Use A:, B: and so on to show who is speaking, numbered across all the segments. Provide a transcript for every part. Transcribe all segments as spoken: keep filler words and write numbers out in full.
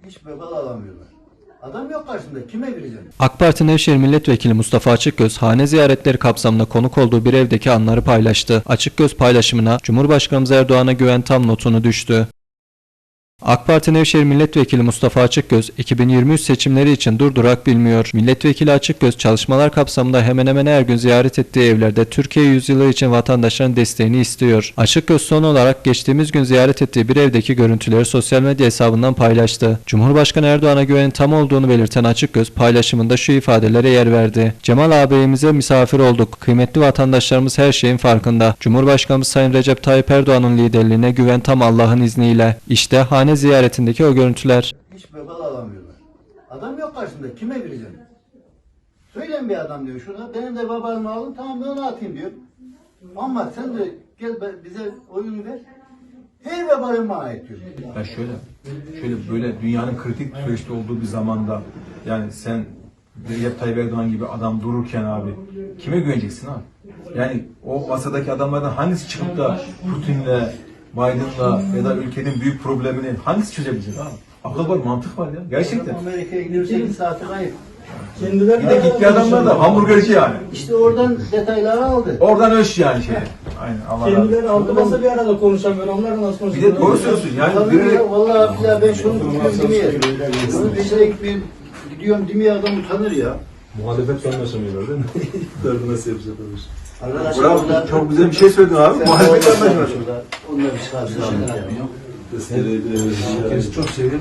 A: Hiç vebal alamıyorlar. Adam yok karşımda. Kime gireceğim?
B: AK Parti Nevşehir Milletvekili Mustafa Açıkgöz, hane ziyaretleri kapsamında konuk olduğu bir evdeki anları paylaştı. Açıkgöz paylaşımına Cumhurbaşkanımız Erdoğan'a güven tam notunu düştü. AK Parti Nevşehir Milletvekili Mustafa Açıkgöz, iki bin yirmi üç seçimleri için durdurak bilmiyor. Milletvekili Açıkgöz, çalışmalar kapsamında hemen hemen her gün ziyaret ettiği evlerde Türkiye yüzyılı için vatandaşların desteğini istiyor. Açıkgöz son olarak geçtiğimiz gün ziyaret ettiği bir evdeki görüntüleri sosyal medya hesabından paylaştı. Cumhurbaşkanı Erdoğan'a güvenin tam olduğunu belirten Açıkgöz, paylaşımında şu ifadelere yer verdi. Cemal ağabeyimize misafir olduk. Kıymetli vatandaşlarımız her şeyin farkında. Cumhurbaşkanımız Sayın Recep Tayyip Erdoğan'ın liderliğine güven tam Allah'ın izniyle. İşte hane ziyaretindeki o görüntüler.
A: Hiç vebal alamıyorlar. Adam yok karşımda. Kime gireceğim? Söyleyin bir adam diyor şurada. Benim de vebalimi alın, tamam ben onu atayım diyor. Ama sen de gel bize oyunu ver. Her vebalim bana ait diyor.
C: Ya şöyle, şöyle böyle dünyanın kritik süreçte olduğu bir zamanda yani sen Recep Tayyip Erdoğan gibi adam dururken abi kime güveneceksin abi? Yani o masadaki adamlardan hangisi çıkıp da Putin'le, Biden'la ya da ülkenin büyük problemini hangisi çözebilecek abi? Akıl var, mantık var ya. Gerçekten.
A: Amerika'ya gidiyor sekiz saati kayıp.
C: Bir de gitti adamlar da hamburgerci yani.
A: İşte oradan detayları aldı.
C: Oradan ölç yani şey. Aynen Allah razı olsun.
D: Kendileri aldı masa bir arada konuşamıyor. Onlarla nasıl
C: Bir
D: konuşuyor?
C: de doğru söylüyorsun yani
A: Vallahi,
C: biri
A: vallahi ya ben şunu tutuyorum demeye. Bunu peşine gitmeyeyim. Gidiyorum demeye adam utanır ya.
E: Muhalefet anlaşamıyorlar değil mi? İktidarı nasıl yapacak olur?
A: Arkadaşlar
C: bravo,
A: orada-
C: çok güzel bir şey söyledin abi. Muhalefet anlaşması.
A: Onunla bir çıkarsın.
E: Herkes çok seviyorum.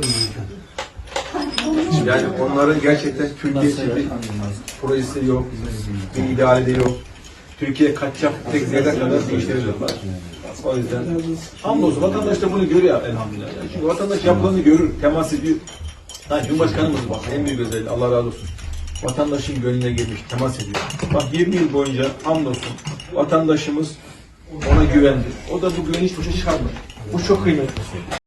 C: Yani onların gerçekten Türkiye gibi projesi yok, bir ideali de yok. Türkiye kaçacak tek zerre kadar bir işleri yok. O yüzden hamdolsun vatandaş da bunu görüyor elhamdülillah. Yani çünkü vatandaş yapılanı görür, temas ediyor. Ha, Cumhurbaşkanımız bak en büyük özelliği Allah razı olsun. Vatandaşın gönlüne girmiş, temas ediyor. Bak yirmi yıl boyunca hamdolsun vatandaşımız ona güvendi. O da bu güveni hiç boşa çıkarmadı. Bu çok kıymetli.